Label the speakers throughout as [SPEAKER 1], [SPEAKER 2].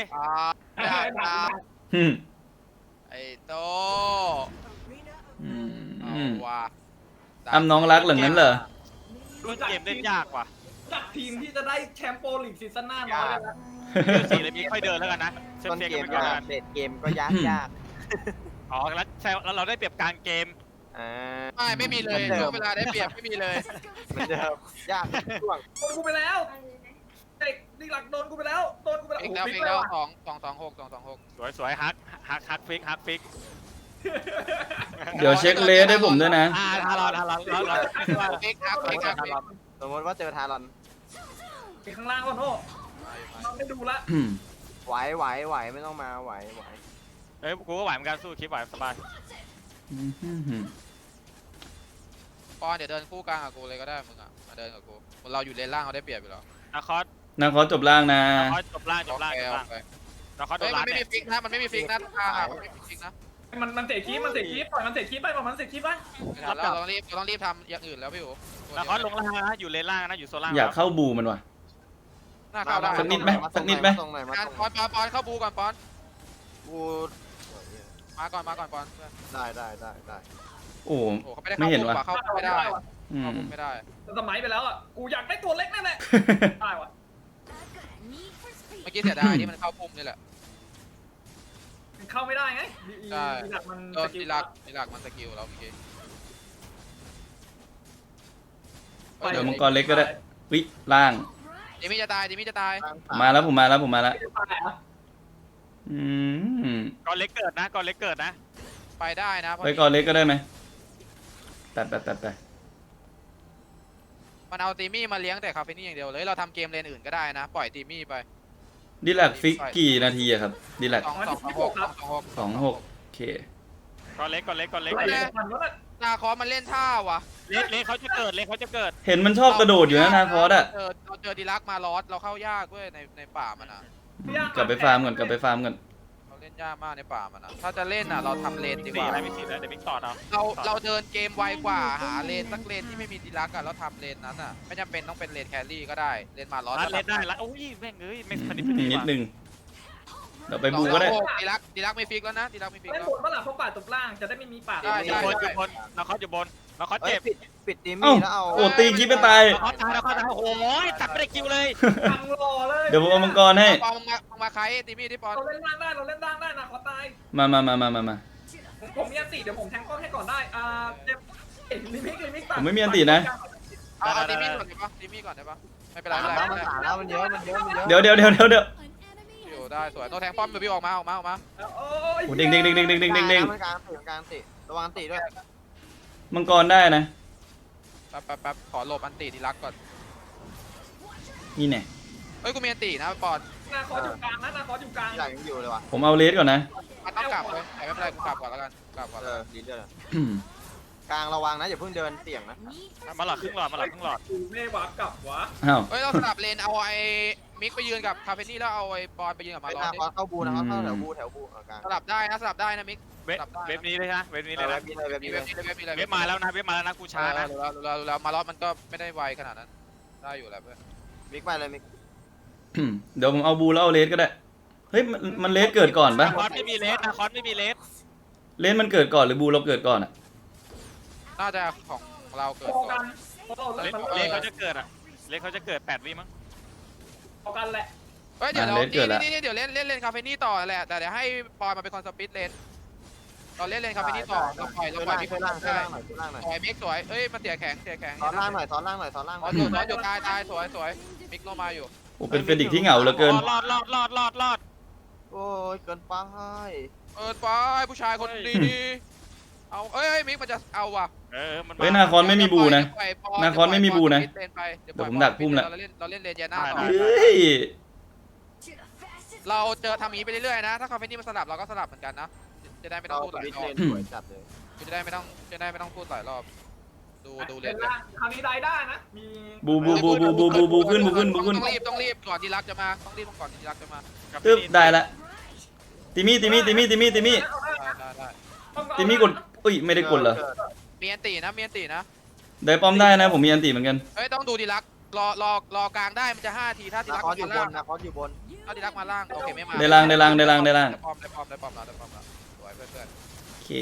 [SPEAKER 1] ได้ตาม
[SPEAKER 2] อืม
[SPEAKER 1] ไอ้โต
[SPEAKER 2] อืม
[SPEAKER 1] เอาว่ะ
[SPEAKER 2] อ้ำน้องรักเหลืองั้นเหรอ
[SPEAKER 3] ต้นเกมเล่นยากว่ะ
[SPEAKER 4] จากทีมที่จะได้แชมป์โปรลีกซีซั่นหน้าน้อยเลยนะ
[SPEAKER 3] เดือนสี่เลยมีค่อยเดินแล้วกันนะเซฟ
[SPEAKER 5] ต้น
[SPEAKER 3] เฟ
[SPEAKER 5] เก
[SPEAKER 3] กั
[SPEAKER 5] ม
[SPEAKER 3] น
[SPEAKER 5] ก็
[SPEAKER 3] ไปก่อน
[SPEAKER 5] เด็ดเกมก็ยากยาก
[SPEAKER 3] อ๋อแล้วเราได้เปรียบกลางเกม
[SPEAKER 1] ไม่มีเลยช่วงเวลาได้เปรียบไม่มีเลย
[SPEAKER 5] เหมือนเดิมยากช่วง
[SPEAKER 4] โดนกูไปแล้วเด็กดีหลักโดนกูไปแล้วโดนกูไปแล้ว
[SPEAKER 1] ฟิก
[SPEAKER 4] โอ้
[SPEAKER 1] แล้ว
[SPEAKER 4] โห
[SPEAKER 1] ฟิ
[SPEAKER 4] ฟิ
[SPEAKER 1] ก
[SPEAKER 4] ก
[SPEAKER 1] แล้
[SPEAKER 4] แล้ว ว
[SPEAKER 1] 226
[SPEAKER 3] สวยฮักฟิก
[SPEAKER 2] เดี๋ยวเช็คเลสให้ผมด้วยนะ
[SPEAKER 3] ทารอน
[SPEAKER 1] ฟิกครับฟิกครับฟิก
[SPEAKER 5] สมมติว่าเจอทารอน
[SPEAKER 4] ไปข้างล่างก่อนโอ้เราไม่ดูละ
[SPEAKER 2] อืม
[SPEAKER 5] ไหวไม่ต้องมาไหว
[SPEAKER 3] เฮ้ยกูก็ไหวเหมือนกันสู้คลิปไหวสบาย
[SPEAKER 1] ปอนเดี๋ยวเดินคู่กลางกับกูเลยก็ได้มึงอ่ะมาเดินกับกูเราอยู่เลนล่างเขาได้เปรียบอยู่แล้ว
[SPEAKER 3] นาคอส
[SPEAKER 2] นะขอจบล่างนะ
[SPEAKER 3] จบล่างนาคอสโด
[SPEAKER 1] เฮ้ย
[SPEAKER 3] น
[SPEAKER 1] มั
[SPEAKER 3] ล้าน น
[SPEAKER 1] ไม่
[SPEAKER 3] เนี่
[SPEAKER 1] มี
[SPEAKER 3] ย
[SPEAKER 1] ฟิกนะมันไม่มีฟิกนะทางอ่ะมันไม่มีฟิกนะ
[SPEAKER 4] มันเตะคีบปล่อยมันเตะคีบไปปล่อยมันเตะคีบไป
[SPEAKER 1] เราต้องรีบทำอย่างอื่นแล้วพี่อู๋
[SPEAKER 3] นาคอสลงล่างนะอยู่เลนล่างนะอยู่โซล่าง
[SPEAKER 2] อยากเข้าบูมันว่ะ
[SPEAKER 1] หน้าเข้าได้
[SPEAKER 2] สักนิดไหม
[SPEAKER 5] ตรงไหนมา
[SPEAKER 1] ปอนเข้าบูก่อนปอน
[SPEAKER 5] กู
[SPEAKER 1] มาก่อนปอน
[SPEAKER 5] ได้
[SPEAKER 2] โอ้
[SPEAKER 1] โอ้เขาไม่ได้
[SPEAKER 2] ไม่เห็นว่ะ
[SPEAKER 1] เข้าไม่ได้
[SPEAKER 2] อืม
[SPEAKER 1] เข้าไม่ได้
[SPEAKER 4] แต่สมัยไปแล้วอ่ะกูอยากได้ตัวเล็กแน่ได้วะ
[SPEAKER 1] เมื่อกี้เสียดายที่มันเข้าพุ่มนี่แหละ
[SPEAKER 4] มันเข้าไม่ได้ไงดีหลักมัน
[SPEAKER 1] โดนดีลักมันสกิลเราเมื่อกี้
[SPEAKER 2] เดี๋ยวมังกรเล็กก็ได้วิล่าง
[SPEAKER 1] ดิมิจะตาย
[SPEAKER 2] มาแล้วผมมาแล้วอืม
[SPEAKER 3] ก่อนเล็กเกิดนะ
[SPEAKER 1] ไปได้นะ
[SPEAKER 2] ไปก่อนเล็กก็ได้ไหมไป
[SPEAKER 1] มันเอาตีมี่มาเลี้ยงแต่คาเฟนี่อย่างเดียวเลยเราทำเกมเลนอื่นก็ได้นะปล่อยตีมี่ไป
[SPEAKER 2] ดีแลกฟิกกี่นาทีอะครับดีแลก
[SPEAKER 1] 226
[SPEAKER 2] 26โอเค
[SPEAKER 3] ก่อนเล็ก
[SPEAKER 4] มันก็
[SPEAKER 1] นาคอมันเล่นท่าวะ
[SPEAKER 3] เลนเขาจะเกิด
[SPEAKER 2] เห็นมันชอบกระโดดอยู่นะนาคอสอะ
[SPEAKER 1] เราเจอดีลักมาลอสเราเข้ายากเว้ยในป่ามันอ่ะ
[SPEAKER 2] กลับไปฟาร์มก่อน
[SPEAKER 1] เราเล่นยากมากในป่ามันอ่ะถ้าจะเล่นอ่ะเราทำเลนดีกว่า
[SPEAKER 3] อะไรไม่ติดแล้วเดี๋ยวมิกต่อเอา
[SPEAKER 1] เราเดินเกมไวกว่าหาเลนสักเลนที่ไม่มีดีลักอ่ะแล้วทำเลนนั้นอ่ะไม่จำเป็นต้องเป็นเลนแครี่ก็ได้เลนมาลอส
[SPEAKER 3] รัดเลนได้ละโอ้ยแม่งเอ้ยไม่พอดี
[SPEAKER 2] นิดนึงเดี๋ยวไปบูก็ได้
[SPEAKER 1] ดีลักไม่ฟิกแล้วนะดีลักไม่ฟิก
[SPEAKER 4] เล่น
[SPEAKER 1] แล้ว
[SPEAKER 4] บนเมื่อไหร่เพราะป่าตบล่างจะได้ไม่มีป่า
[SPEAKER 3] อยู่บนนาคอสอยู่บนนาคอสเจ็บ
[SPEAKER 5] ปิดตีมี่แล้วเอา
[SPEAKER 2] โอ้ตีคิดไปตาย
[SPEAKER 3] นาคอสตายโอ้โหตัดไม่ได้คิวเลย
[SPEAKER 4] ตังรอเลย
[SPEAKER 2] เดี๋ยวผมเอามังกรให้
[SPEAKER 1] ปอนมาใครตีมี่ที่ปอน
[SPEAKER 4] เราเล่นล่างได้นะขอตาย
[SPEAKER 2] มา
[SPEAKER 4] ผมมีอันติเดี๋ยวผมแทงป้อมให้ก่อนได้เจ็บลิมิก
[SPEAKER 2] ผมไม่มีอันตินะ
[SPEAKER 1] เอาตีมี่ก่อนได้ปะตีมี่ก่อนได้ปะไม่เป็นไร
[SPEAKER 5] มันสาแล้วมันเยอะ
[SPEAKER 2] เดี๋ยว
[SPEAKER 1] อยู่ได้สวยโนแทงป้อมพี่ออกมา
[SPEAKER 4] โอ้ย
[SPEAKER 2] โอ้เด้ง
[SPEAKER 5] มันกลางติระวังติด้วย
[SPEAKER 2] มังกรได้นะ
[SPEAKER 1] แป๊บขอหลบอันตีดีลักก่อน
[SPEAKER 2] นี่แน่
[SPEAKER 1] เฮ้ยกูมีอันตีนะปอน
[SPEAKER 4] นาคออยู่กลางนะนาคออยู่กลาง
[SPEAKER 5] ใหญ่ยังอยู่เลยว่ะ
[SPEAKER 2] ผมเอาเลสก่อนนะ
[SPEAKER 1] มันต้องกลับเลยแต่ไม่เป็นไรกูกลับก่อนแล้วกันกลับก่อน
[SPEAKER 5] ดีด้วยกลางระวังนะอย่าเพิ่งเดินเสี่ยงนะ
[SPEAKER 3] มาหลอดครึ่งหลอด
[SPEAKER 4] เม่หวากลับวะ
[SPEAKER 2] อ้าว
[SPEAKER 1] เฮ้ยเราสลับเลนเอาไอ้มิกไปยืนกับคาเฟนี่แล้วเอาไอ้ปอนไปยืนกับมา
[SPEAKER 5] ไป
[SPEAKER 1] ลอ
[SPEAKER 5] หน้า
[SPEAKER 1] ส
[SPEAKER 5] คอเข้าบูนะครับเข้าแถวบูกลาง
[SPEAKER 1] สลับได้นะมิก
[SPEAKER 3] เว็บนี้เลยนะเว็บนี้เลยนะ
[SPEAKER 1] มีเว็บ
[SPEAKER 3] เว็บมาแล้วนะกูช้านะ
[SPEAKER 1] เรามาลอสมันก็ไม่ได้ไวขนาดนั้นได้อยู่แล้วเพื่อน
[SPEAKER 5] มิกไปเลยมิก
[SPEAKER 2] เดี๋ยวผมเอาบูแล้วเอาเลสก็ได้เฮ้ยมันเลสเกิดก่อนปะ
[SPEAKER 3] นาคอสไม่มีเลส
[SPEAKER 2] เลสมันเกิดก่อนหรือบูเราเกิดก่อนอะ
[SPEAKER 1] น่าจะของเราเกิด
[SPEAKER 4] พอ
[SPEAKER 1] ก่
[SPEAKER 4] กั
[SPEAKER 1] อน
[SPEAKER 4] น
[SPEAKER 3] เลสเขาจะเกิดอ่ะเลสเขาจะเกิด8 วิมั้ง
[SPEAKER 4] พอกันแหละ
[SPEAKER 1] เฮ้ยเดี๋ยวนี่เดี๋ยวเล่นคาเฟนี่ต่อแหละแต่เดี๋ยวให้ปอนมาเป็นคนสปิดเลนเราเล่นคาเฟนี่ต่อเราปล่อยมิก
[SPEAKER 5] ช่วยล่างหน่อย
[SPEAKER 1] สวยมิกสวยเอ้ยมันเสียแข็ง
[SPEAKER 5] ซ้อนล่างหน่อย
[SPEAKER 1] สวยตายสวยมิกโนมาอยู่
[SPEAKER 2] โอ้เป็นเฟดิกที่เหงาเหลือเกิน
[SPEAKER 3] รอด
[SPEAKER 5] โอ้ยเกินไป
[SPEAKER 1] ไปผู้ชายคนดีเอาเอ้ยมิกมันจะเอาว่ะ
[SPEAKER 3] มัน
[SPEAKER 2] เฮ้ยนาคอนไม่มีบูนะนาคอนไม่มีบูนะเดี๋ยวผมดักพุ่มละ
[SPEAKER 1] เราเล่นเลนเจน่าต่อ
[SPEAKER 2] เฮ้ย
[SPEAKER 1] เราเจอทำอย่างนี้ไปเรื่อยๆนะถ้าคาเฟนี่มันสลับเราก็สลับเหมือนกันนะจะได้ไม่ต้องพูดหลายรอบ
[SPEAKER 5] สวยจัดเลย
[SPEAKER 1] จะได้ไม่ต้องพูดหลายรอบดูเล
[SPEAKER 4] เล่
[SPEAKER 1] น
[SPEAKER 4] นล่างคราวนี้ได้นะมี
[SPEAKER 2] บูขึ้น
[SPEAKER 1] ต้องรีบก่อนดีลักจะมาต้องรีบก่อนดีลักจะมา
[SPEAKER 2] ตึ๊บได้ละติมี่กดอุ้ยไม่ได้กดเหรอ
[SPEAKER 1] มีอันตีนะ
[SPEAKER 2] ได้ป้อมได้นะผมมีอันติเหมือนกัน
[SPEAKER 1] เฮ้ยต้องดูดีลักรอกลางได้มันจะ5 ทีถ้าดี
[SPEAKER 5] นา
[SPEAKER 1] ลัก
[SPEAKER 5] คอสอยู่บ
[SPEAKER 1] ล่าง
[SPEAKER 5] นนาคอสอยู่บน
[SPEAKER 1] เอาดีลักมาล่างโอเคไม่มา
[SPEAKER 2] ได้ล่างได้ล่างได้ล่างได้ล่าง
[SPEAKER 1] ได้ป้อมแล้วสวยเพื่อน
[SPEAKER 2] โอเค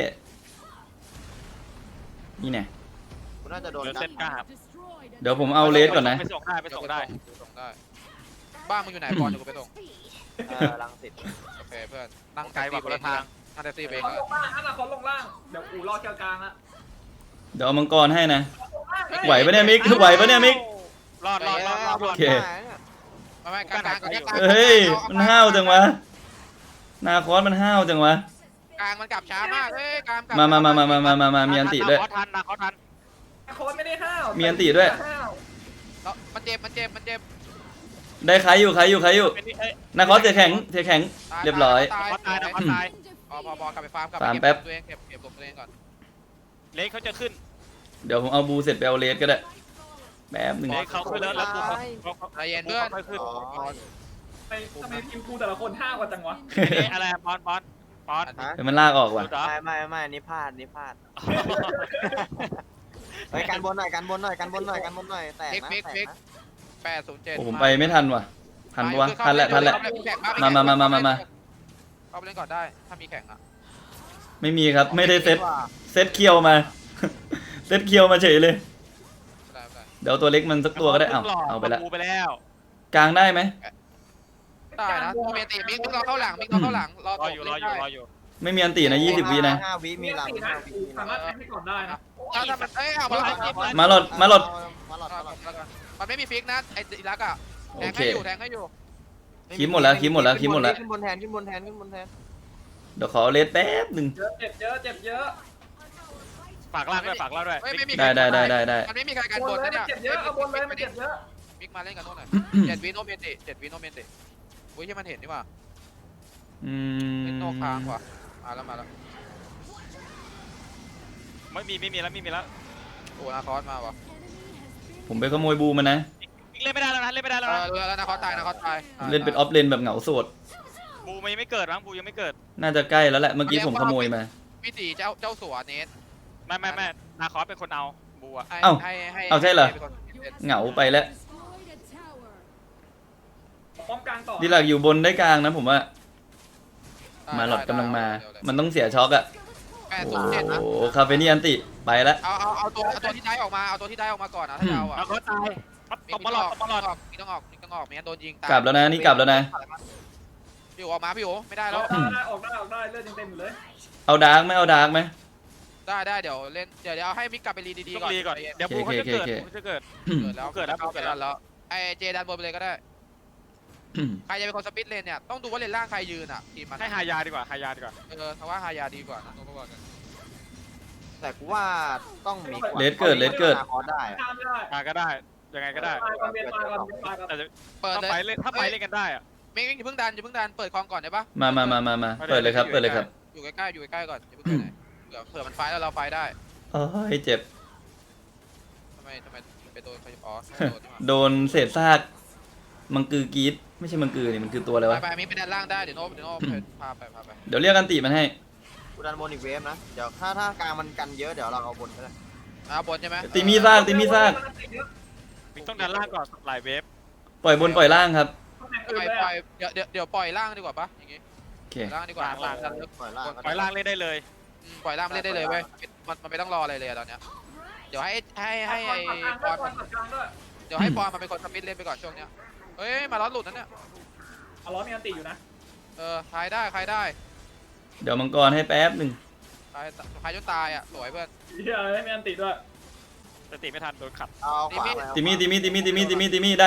[SPEAKER 2] นี่ไง
[SPEAKER 5] กูน่าจะโดน
[SPEAKER 3] เดี๋ยว
[SPEAKER 5] กั
[SPEAKER 3] เซ
[SPEAKER 5] น
[SPEAKER 3] ตกล้า
[SPEAKER 2] เดี๋ยวผมเอาเลสก่อนนะ
[SPEAKER 3] ไปส่งได้ไป
[SPEAKER 1] ๆ
[SPEAKER 3] ส่งได้
[SPEAKER 1] ส่งได้บ้านมึงอยู่ไหนบอลอยู่กูไปส่ง
[SPEAKER 5] รังสิต
[SPEAKER 1] โอเคเพื่อนนั่ง
[SPEAKER 3] ไกลกว่าคนละทาง
[SPEAKER 1] นั่งแท็กซี่ไป
[SPEAKER 4] คอนลงล่างอนาคตลงล่างเดี๋ยวอูรอเกี่ยวกลางละ
[SPEAKER 2] เดี๋ยวเอามังกรให้นะ ไหวปะเนี่ยมิกไหวปะเนี่ยมิก
[SPEAKER 3] รอด
[SPEAKER 2] โอเค
[SPEAKER 1] ไม่กลาง
[SPEAKER 2] เฮ้ยมันห้าวจังวะนาคอสมันห้าวจังวะ
[SPEAKER 1] กลางมันกลับช้ามากเฮ้ยกลาง
[SPEAKER 2] มามีอันติด้วย
[SPEAKER 3] ทันนะเขาทัน
[SPEAKER 4] อนาคตไม่ได้ห้าว
[SPEAKER 2] มีอันติด้วย
[SPEAKER 1] มันเจ็บ
[SPEAKER 2] ได้ใครอยู่
[SPEAKER 3] เป็นนี่เอ้ย
[SPEAKER 2] นาคอสเสียแข็งเรียบร้อย
[SPEAKER 3] เขาตายนะเขาตาย
[SPEAKER 1] พอกลับไปฟาร์มกลับ
[SPEAKER 2] ฟาร์มแป๊บ
[SPEAKER 1] ตัวเองเก็บตัวเองก่อน
[SPEAKER 3] เล็กเขาจะขึ้น
[SPEAKER 2] เดี๋ยวผมเอาบูเสร็จไปเอาเลสก็ได้แป๊บหนึ่ง
[SPEAKER 3] เล็กเขาขึ้นแล้วกูเขา
[SPEAKER 1] ใจเย็นเพื่อน
[SPEAKER 3] ค่อยขึ้น
[SPEAKER 4] ทำไมทีมกูแต่ละคนห้าวกว่าจังวะ
[SPEAKER 3] นี่อะไรปอน
[SPEAKER 2] เดี๋ยวมันลากออกว่ะ
[SPEAKER 3] ดูดเหรอ
[SPEAKER 5] ไม่นี่พลาดเฮ้ยกันบนหน่อยแต่นะ
[SPEAKER 1] 807
[SPEAKER 2] โอ้ผมไปไม่ทันว่ะทันปะวะทันแหละมา
[SPEAKER 1] เข้าไปเล่นก่อนได้ถ้ามีแข่งอ่ะ
[SPEAKER 2] ไม่มีครับไม่ได้เซตเคียวมา เซตเคียวมาเฉยเลย
[SPEAKER 1] ได้
[SPEAKER 2] เดี๋ยวตัวเล็กมันสักตัวก็ได้เอาไปละ
[SPEAKER 3] ไปแล้ว
[SPEAKER 2] กลางได้ไหม
[SPEAKER 1] ได้นะโมเมติมิกเราเข้าหลังรอ
[SPEAKER 3] รออยู่
[SPEAKER 2] ไม่มีอันตีนะ20 วินะ
[SPEAKER 5] 5 วิมีหลัง
[SPEAKER 4] สามารถแทงให้ก่อนได้นะ
[SPEAKER 1] ถ้ามันเอามา
[SPEAKER 2] มาหลด
[SPEAKER 1] มันไม่มีฟิกนะไอ้อีลักอ่ะแทงให้อยู่
[SPEAKER 2] คีบหมดแล้ว
[SPEAKER 5] ขึ้นบนแทน
[SPEAKER 2] เดี๋ยวขอเอาเลสแป๊บหนึ่ง
[SPEAKER 4] เจ็บเยอะ
[SPEAKER 3] ฝากล่างด้วย
[SPEAKER 1] ไม่มี
[SPEAKER 2] ได้
[SPEAKER 1] มันไม่มีใครกันบนนะเนี่ย
[SPEAKER 4] เจ็บเยอะเอาบนเลยมันเจ็บเยอะ
[SPEAKER 1] มิกมาเล่นกันโน่นหน่อย7 วิโนเมติอุ้ยที่มันเห็นนี่ว่า
[SPEAKER 2] อื
[SPEAKER 1] เป็นโน
[SPEAKER 2] ม
[SPEAKER 1] ค้างว่ะมาแล้ว
[SPEAKER 3] ไม่มีแล้ว
[SPEAKER 1] โอ้นาคอสมาว่ะ
[SPEAKER 2] ผมไปขโมยบูมันนะ
[SPEAKER 3] เล่นไม่ได้แล้วนะ
[SPEAKER 1] รู้แล้วนาคอสตาย
[SPEAKER 2] เล่นเป็นออฟเลนแบบเหงาโสด
[SPEAKER 3] บูมันยังไม่เกิดมั้งบูยังไม่เกิด
[SPEAKER 2] น่าจะใกล้แล้วแหละเมื่อกี้ผมขโมยมา
[SPEAKER 1] พี่ตีเจ้าสัวเนส
[SPEAKER 3] ไม่นาคอสเป็นคนเอาบูอะ
[SPEAKER 2] เอาใช่เหรอ เหงาไปแล้ว
[SPEAKER 4] ป้อมกลางต่อ
[SPEAKER 2] ดีหลักอยู่บนได้กลางนะผมว่ามาหลอดกำลังมา มันต้องเสียช็อกอะโอ้
[SPEAKER 1] 807นะ
[SPEAKER 2] โหคาเฟนี่อันติไปแล้ว
[SPEAKER 1] เอาตัวที่ได้ออกมาก่อนนะถ้าจะเอาอ่ะ
[SPEAKER 3] นาคอสตายตบมาหลอด
[SPEAKER 1] มีต้องออกไม่งั้นโดนยิงตาย
[SPEAKER 2] กลับแล้วนะนี่กลับแล้วนะ
[SPEAKER 1] พี่โอออกมาพี่โอไม่ได้แล้ว
[SPEAKER 4] ออกได้เลือดยังเต็มอยู่เลย
[SPEAKER 2] เอาดาร์กไหมเอาดาร์กไหม
[SPEAKER 1] ได้เดี๋ยวเล่นเดี๋ยวเอาให้มิกกลับไปรีดีๆก่อน
[SPEAKER 3] ก่อนเดี๋ยวบูเขาจะเกิด
[SPEAKER 1] เกิดแล้วไอเจดันบนไปเลยก็ได้ใครจะเป็นคนสปิดเลนเนี่ยต้องดูว่าเลนล่างใครยืนอ่ะทีมมัน
[SPEAKER 3] ให้หายาดีกว่า
[SPEAKER 1] เพราะว่าฮายาดีกว่านะตัวก่อน
[SPEAKER 5] แต่กูว่าต้องมี
[SPEAKER 2] เลสเกิด
[SPEAKER 5] คอได้
[SPEAKER 4] ข้ามไม่ได้
[SPEAKER 3] ก็ได้ยังไงก็ได้
[SPEAKER 4] ตายก่อนเบียร์ตายก่อน
[SPEAKER 3] แต่
[SPEAKER 1] เปิด
[SPEAKER 3] ถ้า
[SPEAKER 1] เลย
[SPEAKER 3] ไปเล่นกันได้อะ
[SPEAKER 1] มิกอย่าเพิ่งดันเปิดคลองก่อนได้ปะ
[SPEAKER 2] มาเปิดเลยครับ
[SPEAKER 1] อยู่ใกล้ก่อนอย่าเพิ่งไปไหนเผื่อมันไฟแล้วเราไฟได้
[SPEAKER 2] โอ้ยเจ็บ
[SPEAKER 1] ทำไมไปโดนเขาอ๋อ
[SPEAKER 2] โดนเศษซากมังกือกรีดไม่ใช่มังกือนี่มันคือตัวอะไรวะ
[SPEAKER 1] ไปมิกไปด้านล่างได้เดี๋ยวโน้พาไป
[SPEAKER 2] เดี๋ยวเรียกอันติมันให้
[SPEAKER 5] กูดันบนอีกเวฟนะเดี๋ยวถ้ากลางมันกันเยอะเดี๋ยวเราเอาบนก็ได้
[SPEAKER 1] บนใช่ไหม
[SPEAKER 2] ตีมีซาก
[SPEAKER 3] มิกต้องดันล่างก่อนหลายเวฟ
[SPEAKER 2] ปล่อยบนปล่อยล่างครับ
[SPEAKER 1] ปล่อยเดี๋ยวปล่อยล่างดีกว่าปะอย่างงี้
[SPEAKER 2] โอเค
[SPEAKER 1] ล่างดีกว่า
[SPEAKER 5] ปล่อยล่าง
[SPEAKER 3] ปล่อยล่างเล่นได้เลย
[SPEAKER 1] ปล่อยล่างเล่นได้เลยเว้ยมันไม่ต้องรออะไรเลยตอนเนี้ยเดี๋ยวให้ปอนเดี๋ยวให้ปอนมาเป็นคนสปิดเล่นไปก่อนช่วงเนี้ยเฮ้ยมาล้อหลุดนั่นเนี่ย
[SPEAKER 4] เอาล้อมีอันตีอยู่นะ
[SPEAKER 1] ใครได้
[SPEAKER 2] เดี๋ยวมังกรให้แป๊บหนึ่ง
[SPEAKER 1] ใครจนตายอ่ะสวยเพื่อน
[SPEAKER 4] เฮ้ยมีอันตีด้วย
[SPEAKER 3] แต่ตีไม่ทันโดนขัด
[SPEAKER 5] เอาขวาไป
[SPEAKER 2] ติมี่ได้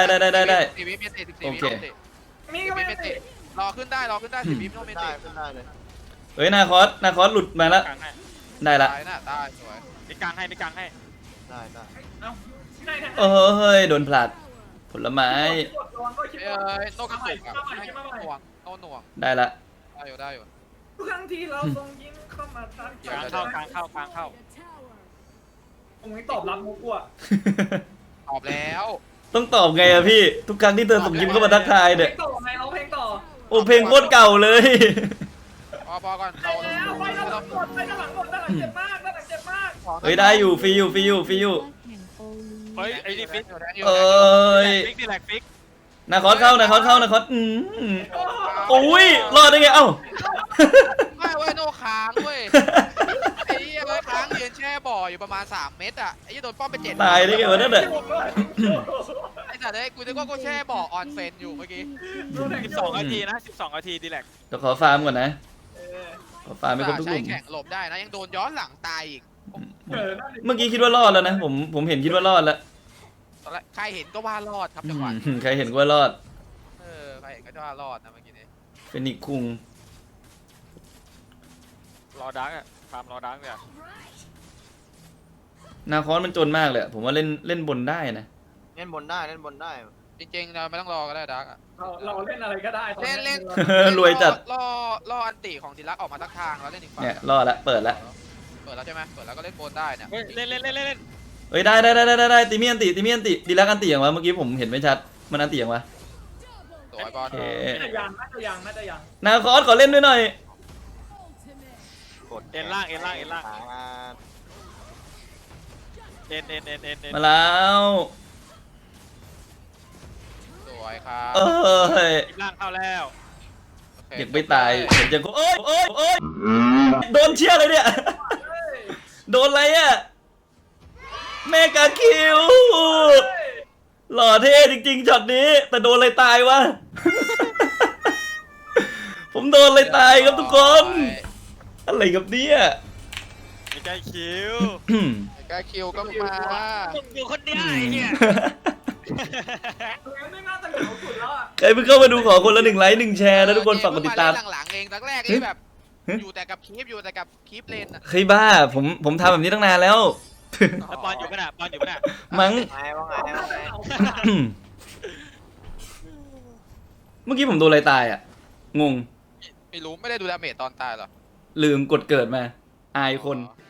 [SPEAKER 1] 4 วิเมติ
[SPEAKER 2] โอเค
[SPEAKER 4] มีก็ไม่อันตี
[SPEAKER 1] รอขึ้นได้10 วิโนเม
[SPEAKER 5] ได้
[SPEAKER 1] ติ
[SPEAKER 5] ขึ้นได้เลย
[SPEAKER 2] เฮ้ยนาคอสหลุดมาแล้ว
[SPEAKER 3] กลางให้
[SPEAKER 2] ได้ละ
[SPEAKER 1] ตายน่ะตายสวย
[SPEAKER 3] มีกลางให้
[SPEAKER 5] ได้
[SPEAKER 4] เอ้าได้แทง
[SPEAKER 2] เฮ้ยโดนผลัดผลไม้
[SPEAKER 1] โนกระตุกอ่ะหน่วง
[SPEAKER 2] ได้ละ
[SPEAKER 1] ได้อยู่
[SPEAKER 4] ทุกครั้งที่เราส่งยิ้มเข้ามาทัก
[SPEAKER 3] กลางเข้า
[SPEAKER 4] ผมไม่ตอบรับมุกอ่ะ
[SPEAKER 1] ตอบแล้ว
[SPEAKER 2] ต้องตอบไงอะพี่ทุกครั้งที่เธอส่งยิ้มเข้ามาทักทาย
[SPEAKER 4] เพล
[SPEAKER 2] เนี่ย
[SPEAKER 4] งต่อไงร้องเพลงต่อ
[SPEAKER 2] โอ้เพลงโคตรเก่าเลย
[SPEAKER 1] พอก่อน
[SPEAKER 4] ไปแล้วไปด้านหลังหมดด้านหลังเจ็บมาก
[SPEAKER 2] เฮ้ยได้อยู่ฟรีอยู่
[SPEAKER 3] เฮ้ยไอ้นี่ฟิก
[SPEAKER 2] เอ้ย
[SPEAKER 3] ฟิกนี่แหละฟิก
[SPEAKER 2] นาคอสเข้านาคอสเข้านาคอสโอ้ยรอดได้ไงเอ้า
[SPEAKER 1] ไม่เว้ยโนค้างเว้ยไอ้เหี้ยเลยค้างยืนแช่บ่ออยู่ประมาณ3 เมตรอ่ะไอ้เหี้ยโดนป้อมไป7
[SPEAKER 2] ตายได้ไงวะนั่นน่ะ
[SPEAKER 1] ไอ้สัตว์เอ้ยกูนึกว่ากูแช่บ่อออนเซนอยู่เมื่อกี้
[SPEAKER 3] 12 นาทีนะ 12 นาทีดีแลก
[SPEAKER 2] เดี๋ยวขอฟาร์มก่อนนะขอฟาร์มไปครบทุกห
[SPEAKER 1] ใช้
[SPEAKER 2] ลุม
[SPEAKER 1] แข่งหลบได้นะยังโดนย้อนหลังตายอีก
[SPEAKER 2] เมื่อกี้คิดว่ารอดแล้วนะผมเห็นคิดว่ารอดแล้ว
[SPEAKER 1] ตอนแรกใครเห็นก็ว่ารอดครับจังหวะ
[SPEAKER 2] ใครเห็นก็ว่ารอด
[SPEAKER 1] ใครเห็นก็ว่ารอดนะเมื่อกี้นี้
[SPEAKER 2] เป็นอีกคุง
[SPEAKER 3] รอดักอะฟาร์มรอดักเนี่ย
[SPEAKER 2] นาคอสมันจนมากเลยอะผมว่าเล่นบนได้นะ
[SPEAKER 5] เล่นบนได้เล่นบนได้
[SPEAKER 1] จริงๆเราไม่ต้องรอก็ได้ดักอะ
[SPEAKER 4] เราเล่นอะไรก็ได้ตอนนี้
[SPEAKER 1] เล่น
[SPEAKER 2] รวยจัด
[SPEAKER 1] รออันติของดิลักออกมาทักทางแล้วเล่นอีกฝั่ง
[SPEAKER 2] เนี่ยรอดละเปิดละ
[SPEAKER 1] เปิดแล้วใช่ไหมเปิดแล้วก็เล่นโบนได้เนี่ย
[SPEAKER 3] เฮ้ยเล่น
[SPEAKER 2] เอ้ยได้ตีเมียนติดีลักอันติอย่างวะเมื่อกี้ผมเห็นไม่ชัดมันอันติอย่างวะ
[SPEAKER 1] สวยบอล
[SPEAKER 2] โอเค
[SPEAKER 4] น่าจะยังน่าจะยัง
[SPEAKER 2] นาคอสขอเล่นด้วยหน่อย
[SPEAKER 5] กด
[SPEAKER 3] เอ็นล่าง
[SPEAKER 5] มา
[SPEAKER 3] เอ็น
[SPEAKER 2] มาแล้ว
[SPEAKER 1] สวยครับ
[SPEAKER 2] เอ้ย
[SPEAKER 3] ล่างเข้าแล้ว
[SPEAKER 1] โอเค
[SPEAKER 2] เด็กไม่ตายเห็นยังโอ้ยโดนเชี่ยเลยเนี่ย โดนอะไรอ่ะเมกาคิวหล่อเท่จริงๆช็อตนี้ แต่โดนอะไรตายวะ ผมโดนอะไรตายครับทุกคน อะไรกับเนี่ย
[SPEAKER 3] ไม่ใช่คิว
[SPEAKER 1] แกคิวก็มา
[SPEAKER 3] มึงอยู่คนเดียวไอ้เหี้ย
[SPEAKER 4] ไม่น่าจะเหงาสุดแล้วอ่ะ
[SPEAKER 2] ใครเพิ่งเข้ามาดูขอคนละ1 ไลค์ 1 แชร์นะทุกคนฝากกดติดตาม
[SPEAKER 1] หลังๆเองตั้งแรกนี่แบบอยู่แต่กับคลิปเลนอะ
[SPEAKER 2] เฮ้ยบ้าผมทำแบบนี้ตั้งนานแล้ว
[SPEAKER 3] แล้วปอนอยู่ปะน่ะปอนอยู่ปะน่ะ
[SPEAKER 2] มั้ง
[SPEAKER 5] ว่าไง
[SPEAKER 2] เมื่อกี้ผมโดนอะไรตายอ่ะ งง
[SPEAKER 1] ไม่รู้ไม่ได้ดูดาเมจตอนตายหรอ
[SPEAKER 2] ลืมกดเกิดมา อายคน
[SPEAKER 1] อ๋อ